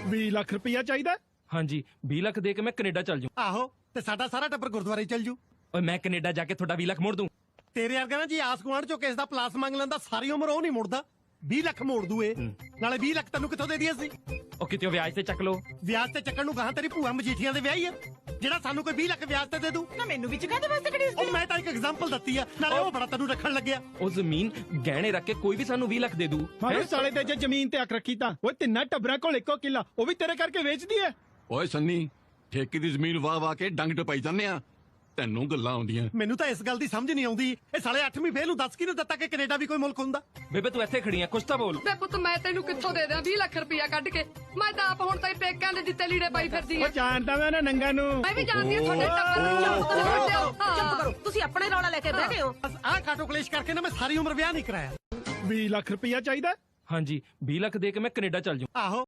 20 ਲੱਖ ਰੁਪਇਆ ਚਾਹੀਦਾ? ਹਾਂਜੀ 20 ਲੱਖ ਦੇ ਕੇ ਮੈਂ ਕੈਨੇਡਾ ਚੱਲ ਜੂ। ਆਹੋ ਤੇ ਸਾਡਾ ਸਾਰਾ ਟੱਬਰ ਗੁਰਦੁਆਰੇ ਚੱਲ ਜੂ। ਓਏ ਮੈਂ ਕੈਨੇਡਾ ਜਾ ਕੇ ਤੁਹਾਡਾ 20 ਲੱਖ ਮੋੜ ਦੂੰ। ਤੇਰੇ ਵਰਗਾ ਨਾ ਜੀ ਆਸ ਗੁਆਂਢ ਚੋਂ ਕਿਸ ਦਾ ਪਲਾਸ ਮੰਗ ਲੈਂਦਾ ਸਾਰੀ ਉਮਰ ਉਹ ਨਹੀਂ ਮੁੜਦਾ। 20 ਲੱਖ ਮੋੜ ਦੂ ਇਹ। ਨਾਲੇ 20 ਲੱਖ ਤੈਨੂੰ ਕਿੱਥੋਂ ਦੇ ਦਈਏ ਅਸੀਂ? ਉਹ ਕਿਤੇ ਵਿਆਜ ਤੇ ਚੱਕ ਲੋ। ਵਿਆਜ ਤੇ ਚੱਕਣ ਨੂੰ ਗਾਹਾਂ ਤੇਰੀ ਭੂਆ ਮਜੀਠੀਆਂ ਦੇ ਵਿਆਹੀ ਆ ਜਿਹੜਾ ਸਾਨੂੰ ਕੋਈ 20 ਲੱਖ ਵਿਆਜ ਤੇ ਦੇ ਦੂ। ਨਾ ਮੈਨੂੰ ਵੀ ਚੁਕਾ ਦੇ ਵਾਸਤੇ ਕਿਹੜੀ ਉਹ ਮੈਂ ਤਾਂ ਇੱਕ ਐਗਜ਼ਾਮਪਲ ਦਿੱਤੀ ਆ, ਨਾਲੇ ਉਹ ਬੜਾ ਤੈਨੂੰ ਰੱਖਣ ਲੱਗਿਆ। ਉਹ ਜ਼ਮੀਨ ਗਹਿਣੇ ਰੱਖ ਕੇ ਕੋਈ ਵੀ ਸਾਨੂੰ 20 ਲੱਖ ਦੇ ਦੂ। ਮਾਰੇ ਸਾਲੇ ਤੇ ਜੇ ਜ਼ਮੀਨ ਤੇ ਅੱਖ ਰੱਖੀ ਤਾਂ ਓਏ ਤਿੰਨਾਂ ਟੱਬਰਾਂ ਕੋਲ ਇੱਕੋ ਕਿੱਲਾ, ਉਹ ਵੀ ਤੇਰੇ ਕਰਕੇ ਵੇਚਦੀ ਐ। ਓਏ ਸੰਨੀ, ਠੇਕੇ ਦੀ ਜ਼ਮੀਨ ਵਾਹ ਕੇ ਡੰਗ ਟਪਾਈ ਜਾਂਦੇ ਆ, ਤੈਨੂੰ ਗੱਲਾਂ ਆਉਂਦੀਆਂ। ਮੈਨੂੰ ਤਾਂ ਇਸ ਗੱਲ ਦੀ ਸਮਝ ਨਹੀਂ ਆਉਂਦੀ, ਇਹ ਸਾਲੇ 8ਵੀਂ ਫੇਲ ਨੂੰ ਦੱਸ ਕਿਹਨੂੰ ਦਿੱਤਾ ਕਿ ਕੈਨੇਡਾ ਵੀ ਕੋਈ ਮੁਲਕ ਹੁੰਦਾ? ਬੇਬੇ ਤੂੰ ਇੱਥੇ ਖੜੀ ਆ, ਕੁਛ ਤਾਂ ਬੋਲ। ਬੇ ਪੁੱਤ ਮੈਂ ਤੈਨੂੰ ਕਿੱਥੋਂ ਦੇ ਦਿਆਂ 20 ਲੱਖ ਰੁਪਇਆ ਕੱਢ ਕੇ? ਮੈਂ ਤਾਂ ਆਪ ਹੁਣ ਤਾਈ ਪੇਕਾਂ ਦੇ ਦਿੱਤੇ ਲੀੜੇ ਪਾਈ ਫਿਰਦੀ ਉਹ ਆ। ਜਾਣਦਾ ਮੈਂ ਨਾ ਨੰਗਾ ਨੂੰ। ਮੈਂ ਵੀ ਜਾਣਦੀ ਆ ਤੁਹਾਡੇ ਟੱਬਰ ਨੂੰ। ਚੁੱਪ ਕਰੋ, ਤੁਸੀਂ ਆਪਣੇ ਰੌਲਾ ਲੈ ਕੇ ਬਹਿ ਗਏ ਹੋ। ਬਸ ਆਹ ਕਾਟੋ ਕਲੇਸ਼ ਕਰਕੇ ਨਾ ਮੈਂ ਸਾਰੀ ਉਮਰ ਵਿਆਹ ਨਹੀਂ ਕਰਾਇਆ। 20 ਲੱਖ ਰੁਪਇਆ ਚਾਹੀਦਾ? ਹਾਂਜੀ 20 ਲੱਖ ਦੇ ਕੇ ਮੈਂ ਕੈਨੇਡਾ ਚੱਲ ਜੂ। ਆਹੋ